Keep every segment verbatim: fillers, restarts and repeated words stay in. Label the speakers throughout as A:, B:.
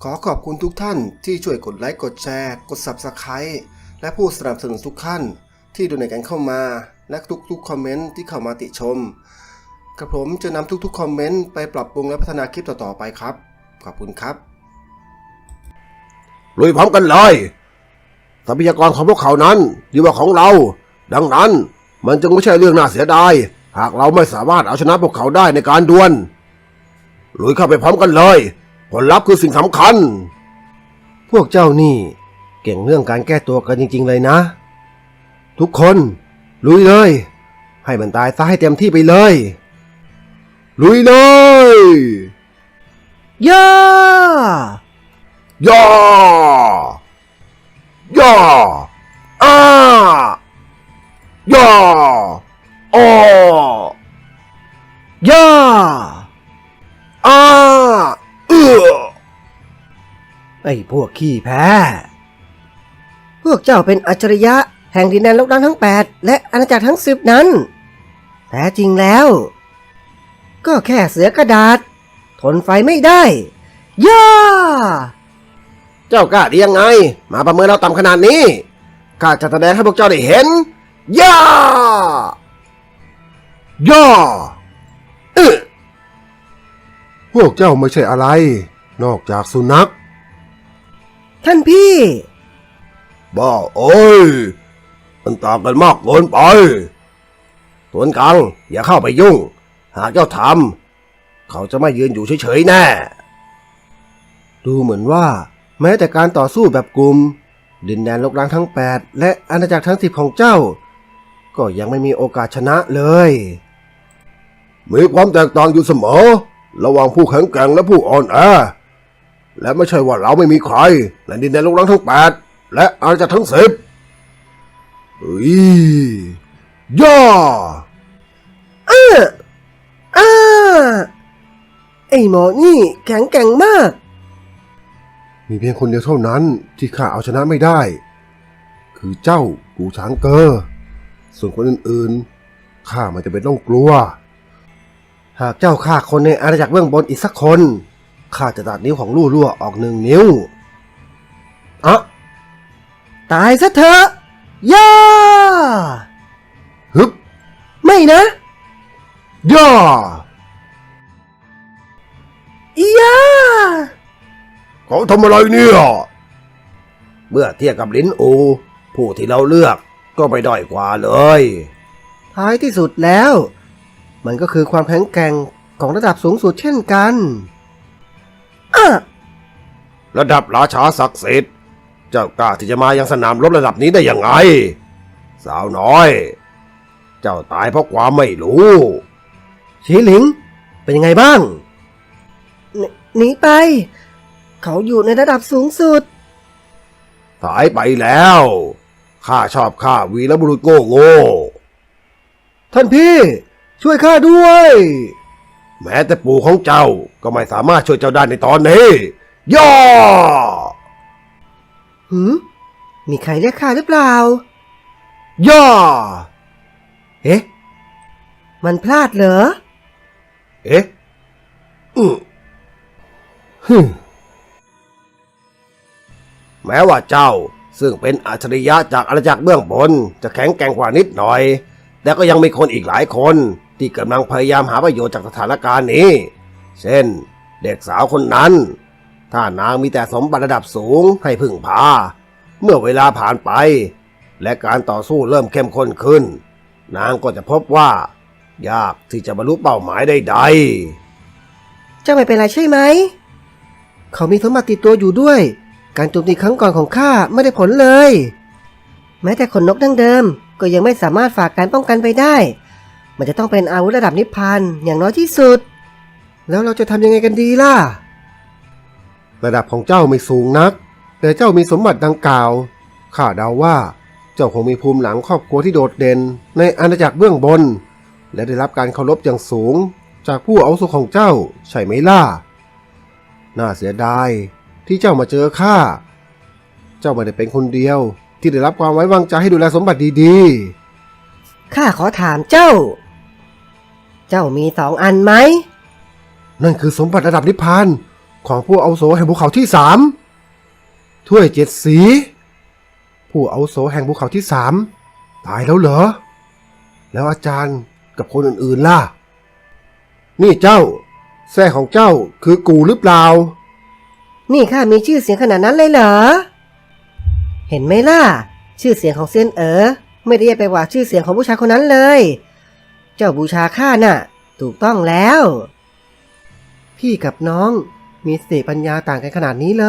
A: ขอขอบคุณทุกท่านที่ช่วยกดไลค์กดแชร์กด ซับสไครบ์ และผู้สนับสนุนทุกท่านที่ดูในกันเข้ามาและทุกๆคอมเมนต์ที่เข้ามาติชมกระผมจะนำทุกๆคอมเมนต์ไปปรับปรุงและพัฒนาคลิปต่อๆไปครับขอบคุณครับ
B: ลุยพร้อมกันเลยทรัพยากรของพวกเขานั้นดีกว่าของเราดังนั้นมันจึงไม่ใช่เรื่องน่าเสียดายหากเราไม่สามารถเอาชนะพวกเขาได้ในการดวลลุยเข้าไปพร้อมกันเลยผลลัพธ์คือสิ่งสำคัญพวกเจ้านี่เก่งเรื่องการแก้ตัวกันจริงๆเลยนะทุกคนลุยเลยให้มันตายซะให้เต็มที่ไปเลยลุยเลยย่าย่าย่าอ้าย่าอ้อย่าอ้าเอื้อไอ้พวกขี้แพ้
C: พวกเจ้าเป็นอัจฉริยะแห่งดินแดนโลกดังทั้งแปดและอาณาจักรทั้งสิบนั้นแท้จริงแล้วก็แค่เสือกระดาษทนไฟไม่ได้ย่า
B: เจ้ากล้าได้ยังไงมาประเมินเราต่ำขนาดนี้ข้าจะแสดงให้พวกเจ้าได้เห็นย่าย่าเออพวกเจ้าไม่ใช่อะไรนอกจากสุนัข
C: ท่านพี่
B: บ้าโอ้ยมันต่างกันมากเกินไปส่วนกลางอย่าเข้าไปยุ่งหากเจ้าทำเขาจะไม่ยืนอยู่เฉยๆแน่ดูเหมือนว่าแม้แต่การต่อสู้แบบกลุ่มดินแดนลกล้างทั้งแปดและอาณาจักรทั้งสิบของเจ้าก็ยังไม่มีโอกาสชนะเลยมีความแตกต่างอยู่เสมอระหว่างผู้แข็งแกร่งและผู้อ่อนแอและไม่ใช่ว่าเราไม่มีใครในดินแดนลกล้างทั้งแปดและอาณาจักรทั้งสิบเฮ้ยย่า
C: เอออ้าไอ้หมอนี่แข็งแกร่งมาก
B: มีเพียงคนเดียวเท่านั้นที่ข้าเอาชนะไม่ได้คือเจ้ากูช้างเกอส่วนคนอื่นๆข้าไม่จำเป็นต้องกลัวหากเจ้าฆ่าคนในอาณาจักรเบื้องบนอีกสักคนข้าจะตัดนิ้วของลู่รั่วออกหนึ่งนิ้วอะ
C: ตายซะเถอะย่า
B: ฮึบ
C: ไม่นะ
B: ย่า
C: ย่า
B: เขาทำอะไรเนี่ยเมื่อเทียบกับลิ้นอูผู้ที่เราเลือกก็ไม่ด้อยกว่าเลย
C: ท้ายที่สุดแล้วมันก็คือความแข็งแกร่งของระดับสูงสุดเช่นกันอะ
B: ระดับราชาศักดิ์สิทธิ์เจ้ากล้าที่จะมายังสนามรบระดับนี้ได้ยังไงสาวน้อยเจ้าตายเพราะความไม่รู้
C: ชีหลิงเป็นยังไงบ้างหนีไปเขาอยู่ในระดับสูงสุด
B: สายไปแล้วข้าชอบข้าวีรบุรุษโง่โง่
C: ท่านพี่ช่วยข้าด้วย
B: แม้แต่ปู่ของเจ้าก็ไม่สามารถช่วยเจ้าได้ในตอนนี้ย่อ
C: หืมมีใครเรียกข้าหรือเปล่า
B: ย่อ
C: เอ๊ะมันพลาดเหรอ
B: เอ๊ะอือฮึแม้ว่าเจ้าซึ่งเป็นอัจฉริยะจากอาณาจักรเบื้องบนจะแข็งแกร่งกว่านิดหน่อยแต่ก็ยังมีคนอีกหลายคนที่กำลังพยายามหาประโยชน์จากสถานการณ์นี้เช่นเด็กสาวคนนั้นถ้านางมีแต่สมบัติระดับสูงให้พึ่งพาเมื่อเวลาผ่านไปและการต่อสู้เริ่มเข้มข้นขึ้นนางก็จะพบว่ายากที่จะบรรลุเป้าหมายใด
C: ๆเจ้าไม่เป็นไรใช่ไหมเขามีสมบัติติดตัวอยู่ด้วยการโจมตีครั้งก่อนของข้าไม่ได้ผลเลยแม้แต่ขนนกดั้งเดิมก็ยังไม่สามารถฝากการป้องกันไปได้มันจะต้องเป็นอาวุธระดับนิพพานอย่างน้อยที่สุดแล้วเราจะทำยังไงกันดีล่ะ
B: ระดับของเจ้าไม่สูงนักแต่เจ้ามีสมบัติดังกล่าวข้าเดาว่าเจ้าคงมีภูมิหลังครอบครัวที่โดดเด่นในอาณาจักรเบื้องบนและได้รับการเคารพอย่างสูงจากผู้อาวุโสของเจ้าใช่ไหมล่ะน่าเสียดายที่เจ้ามาเจอข้าเจ้าไม่ได้เป็นคนเดียวที่ได้รับความไว้วางใจให้ดูแลสมบัติดีๆ
C: ข้าขอถามเจ้า เจ้ามีสองอันไหม
B: นั่นคือสมบัติระดับนิพพาน
A: ของผู้อาวุโสแห่งภูเขาที่สามถ้วยเจ็ดสี ผู้อาวุโสแห่งภูเขาที่สามตายแล้วเหรอ แล้วอาจารย์กับคนอื่นๆล่ะ นี่เจ้าแท้ของเจ้าคือกูหรือเปล่า
C: นี่ข้ามีชื่อเสียงขนาดนั้นเลยเหรอ เห็นไหมล่ะ ชื่อเสียงของเซียนเอ๋อไม่ได้แย่ไปกว่าชื่อเสียงของผู้ชายคนนั้นเลย เจ้าบูชาข้าน่ะ ถูกต้องแล้ว พี่กับน้องมีสติปัญญาต่างกันขนาดนี้เลย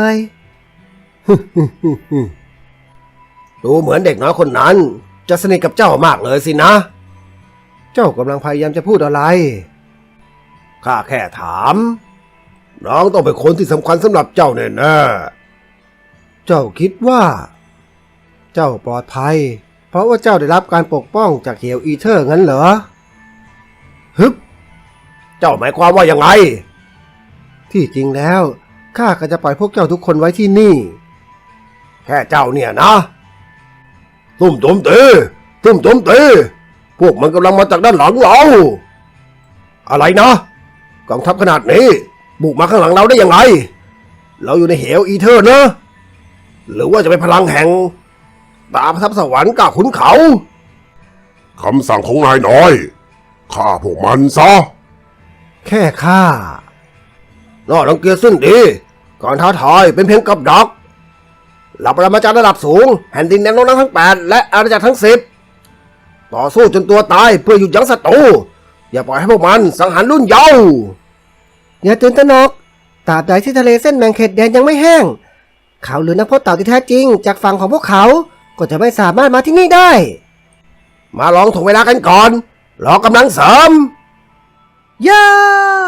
B: ดูเหมือนเด็กน้อยคนนั้น จะสนิทกับเจ้ามากเลยสินะ
A: เจ้ากำลังพยายามจะพูดอะไร
B: ข้าแค่ถาม น้องต้องเป็นคนที่สำคัญสำหรับเจ้าแน่ๆ
A: เจ้าคิดว่า เจ้าปลอดภัย เพราะว่าเจ้าได้รับการปกป้องจากเฮียวอีเทอร์งั้นเหรอ
B: ฮึบเจ้าหมายความว่ายังไง
A: ที่จริงแล้วข้าก็จะปล่อยพวกเจ้าทุกคนไว้ที่นี่
B: แค่เจ้าเนี่ยนะ ตุ้มตุ้มเตะตุ้มตุ้มเตะพวกมันกำลังมาจากด้านหลังเรา อะไรนะกองทัพขนาดนี้บุกมาข้างหลังเราได้ยังไง เราอยู่ในเหวอีเทอร์นะหรือว่าจะเป็นพลังแห่งดาบทัพสวรรค์กับขุนเขาคำสั่งของนายน้อยฆ่าพวกมันซะ
A: แค่ข้า
B: น่ารังเกียจสิ้นดีการท้าทายเป็นเพียงกับดักเหล่าปรมาจารย์ระดับสูงแผ่นดินแดนโลกทั้งแปดและอาณาจักรทั้งสิบต่อสู้จนตัวตายเพื่อหยุดยั้งศัตรูอย่าปล่อยให้พวกมันสังหารรุ่นเยาว์
C: อย่าตื่นตระหนกตราบใดที่ทะเลเส้นแบ่งเขตแดนยังไม่แห้งเขาหรือนักพจน์เต่าที่แท้จริงจากฝั่งของพวกเขาก็จะไม่สามารถมาที่นี่ได้
B: มาลองถ่วงเวลากันก่อนรอกำลังเสริม
C: ย่า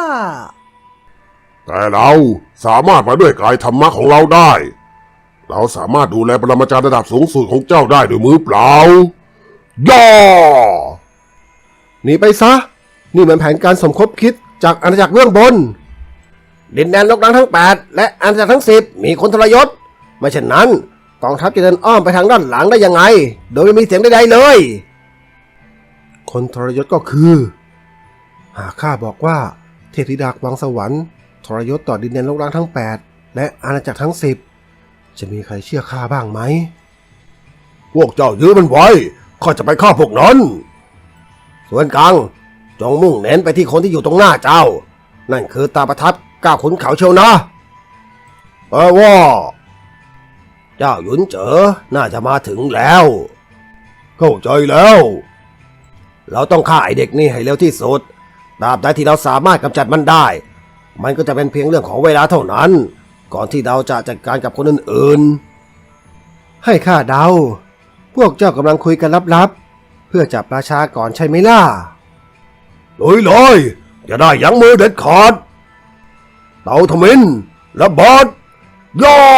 D: แต่เราสามารถมาด้วยกายธรรมะของเราได้ เราสามารถดูแลปรมาจารย์ระดับสูงสุดของเจ้าได้ด้วยมือเปล่า ย่อ
A: หนีไปซะ นี่มันแผนการสมคบคิดจากอาณาจักรเบื้องบน
B: ดินแดนโลกทั้งแปดและอาณาจักรทั้งสิบมีคนทรยศไม่เช่นนั้นกองทัพจะเดินอ้อมไปทางด้านหลังได้ยังไง โดยไม่มีเสียงใดๆเลย
A: คนทรยศก็คือ หากข้าบอกว่าเทพธิดาวังสวรรค์ทรยศต่อดินแดนโลกร้างทั้งแปดและอาณาจักรทั้งสิบจะมีใครเชื่อข้าบ้างไหม
B: พวกเจ้ายื้อมันไว้ข้าจะไปฆ่าพวกนั้นส่วนกลางจงมุ่งเน้นไปที่คนที่อยู่ตรงหน้าเจ้า นั่นคือตาประทับก้าวขุนเขาเชียวนะแปลว่า เจ้าหยุนเจ๋อน่าจะมาถึงแล้ว เข้าใจแล้ว เราต้องฆ่าไอเด็กนี่ให้เร็วที่สุดตราบใดที่เราสามารถกำจัดมันได้ มันก็จะเป็นเพียงเรื่องของเวลาเท่านั้น ก่อนที่เราจะจัดการกับคนอื่น
A: ให้ข้าเดา พวกเจ้ากำลังคุยกันลับๆเพื่อจับราชาก่อนใช่ไหมล่ะ
B: ๆลุยเลยอย่าได้ยั้งมือเด็ดขาดเตาทมินระเบิดย่อ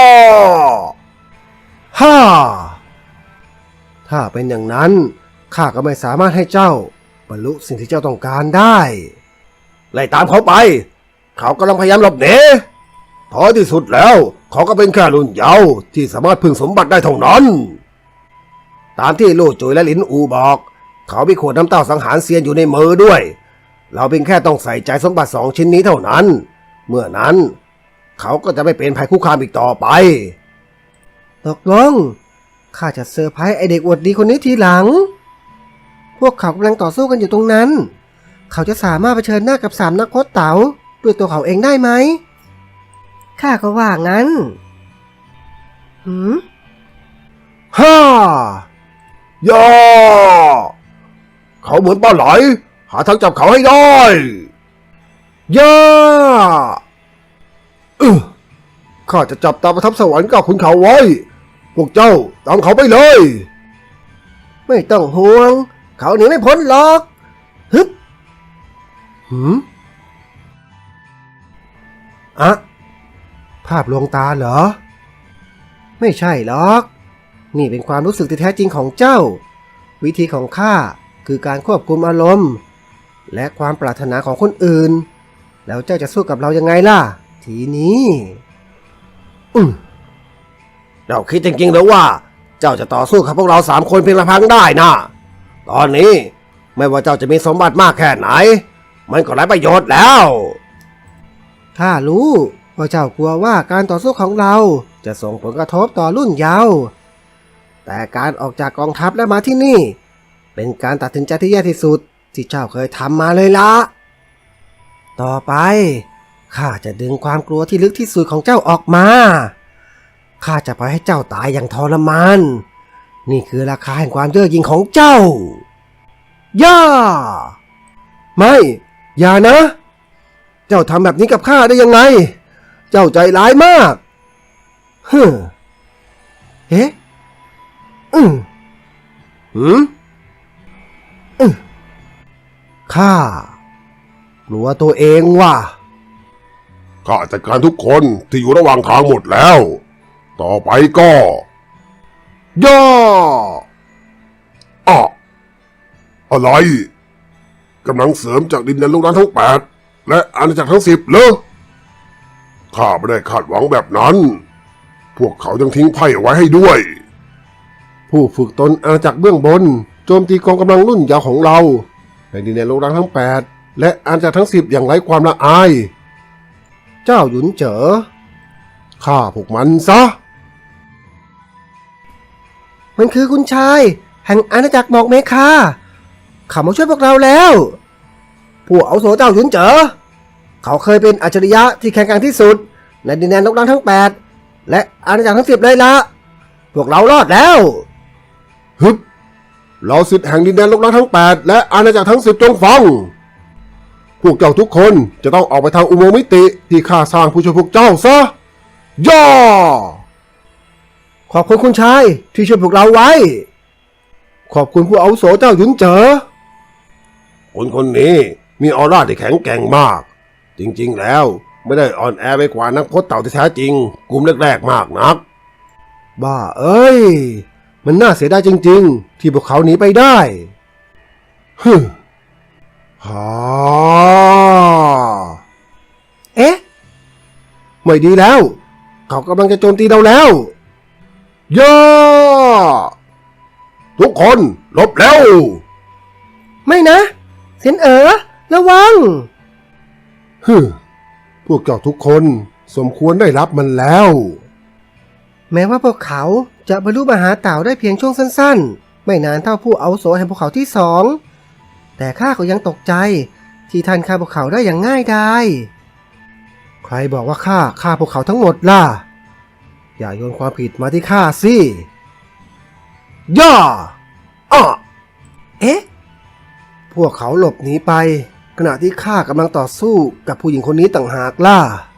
A: ฮ่า ถ้าเป็นอย่างนั้นข้าก็ไม่สามารถให้เจ้าบรรลุสิ่งที่เจ้าต้องการได้
B: ไล่ตามเขาไป เขากำลังพยายามหลบหนีท้ายที่สุดแล้วเขาก็เป็นแค่รุ่นเยาว์ที่สามารถพึ่งสมบัติได้เท่านั้น ตามที่ลู่จุยและหลินอูบอก เขามีขวดน้ำเต้าสังหารเซียนอยู่ในมือด้วย เราเพียงแค่ต้องใส่ใจสมบัติสองชิ้นนี้เท่านั้น เมื่อนั้น เขาก็จะไม่เป็นภัยคุกคามอีกต่อไป
C: ตกลงข้าจะเซอร์ไพรส์ไอเด็กอวดดีคนนี้ทีหลัง พวกเขากำลังต่อสู้กันอยู่ตรงนั้น เขาจะสามารถเผชิญหน้ากับสามนักพจน์เต๋าด้วยตัวเขาเองได้ไหมข้าก็ว่างั้นหืม
A: ฮ่า
B: ย่อ เขาเหมือนปลาไหล หาทางจับเขาให้ได้
A: ย่าเออข้าจะจับตาประทับสวรรค์กับขุนเขาไว้ พวกเจ้าตามเขาไปเลย
C: ไม่ต้องห่วง เขาหนีไม่พ้นหรอกฮึบ
A: หืมอะภาพลวงตาเหรอ
C: ไม่ใช่หรอก นี่เป็นความรู้สึกที่แท้จริงของเจ้า วิธีของข้าคือการควบคุมอารมณ์ และความปรารถนาของคนอื่น แล้วเจ้าจะสู้กับเรายังไงล่ะ ทีนี้
A: อืม
B: เราคิดจริงๆหรือว่า เจ้าจะต่อสู้กับพวกเราสามคนเพียงลำพังได้นะตอนนี้ไม่ว่าเจ้าจะมีสมบัติมากแค่ไหน มันก็ไร้ประโยชน์แล้ว
C: ข้ารู้ว่าเจ้ากลัวว่าการต่อสู้ของเราจะส่งผลกระทบต่อรุ่นเยาว์แต่การออกจากกองทัพและมาที่นี่ เป็นการตัดสินใจที่แย่ที่สุดที่เจ้าเคยทำมาเลยละต่อไปข้าจะดึงความกลัวที่ลึกที่สุดของเจ้าออกมาข้าจะปล่อยให้เจ้าตายอย่างทรมานนี่คือราคาแห่งความเย่อหยิ่งของเจ้าย่าไม่อย่านะเจ้าทำแบบนี้กับข้าได้ยังไงเจ้าใจร้ายมากฮึเอ๊ะอืมหืมอืมข้ากลัวตัวเองว่ะ
D: ข้าจัดการทุกคนที่อยู่ระหว่างทางหมดแล้ว ต่อไปก็ย่ออะอะไรกำลังเสริมจากดินแดนลูกน้ำทั้งแปดและอาณาจักรทั้งสิบเหรอข้าไม่ได้คาดหวังแบบนั้น พวกเขายังทิ้งไพ่เอาไว้ให้ด้วย
A: ผู้ฝึกตนอาณาจักรเบื้องบนโจมตีกองกำลังรุ่นยาวของเราในดินแดนโลกร้างทั้งแปดและอาณาจักรทั้งสิบอย่างไร้ความละอาย เจ้าหยุนเจ๋อฆ่าพวกมันซะ
C: มันคือคุณชายแห่งอาณาจักรหมอกเมคาเขามาช่วยพวกเราแล้วผู้อาวุโสเจ้าหยุนเจ๋อเขาเคยเป็นอัจฉริยะที่แข็งแกร่งที่สุดในดินแดนโลกร้างทั้งแปดและอาณาจักรทั้งสิบเลยละพวกเรารอดแล้ว
A: ฮึบเราสิทธิ์แห่งดินแดนโลกร้างทั้งแปดและอาณาจักรทั้งสิบจงฟังพวกเจ้าทุกคนจะต้องออกไปทางอุโมงค์มิติที่ข้าสร้างผู้ช่วยพวกเจ้าซะย่อขอบคุณคุณชายที่ช่วยพวกเราไว้ ขอบคุณผู้อาวุโสเจ้าหยุนเจ๋อ
B: คนคนนี้มีออร่าที่แข็งแกร่งมาก จริงๆแล้วไม่ได้อ่อนแอไปกว่านักพจน์เต่าที่แท้จริงกลุ่มแรกๆมากนัก
A: บ้าเอ้ยมันน่าเสียดายจริงๆที่พวกเขาหนีไปได้ฮึฮ่า
C: เอ๊ะ
A: ไม่ดีแล้ว เขากำลังจะโจมตีเราแล้วย่าทุกคนหลบแล้ว
C: ไม่นะเซนเอ๋อระวัง
A: ฮึพวกเจ้าทุกคนสมควรได้รับมันแล้ว
C: แม้ว่าพวกเขาจะบรรลุมหาเต่าได้เพียงช่วงสั้นๆไม่นานเท่าผู้อาวุโสแห่งภูเขาที่สองแต่ข้าก็ยังตกใจที่ท่านฆ่าพวกเขาได้อย่างง่ายดายใครบอกว่าข้าฆ่าพวกเขาทั้งหมดล่ะอย่าโยนความผิดมาที่ข้าสิย่าอ้อเอ๊ะพวกเขาหลบหนีไปขณะที่ข้ากำลังต่อสู้กับผู้หญิงคนนี้ต่างหากล่ะ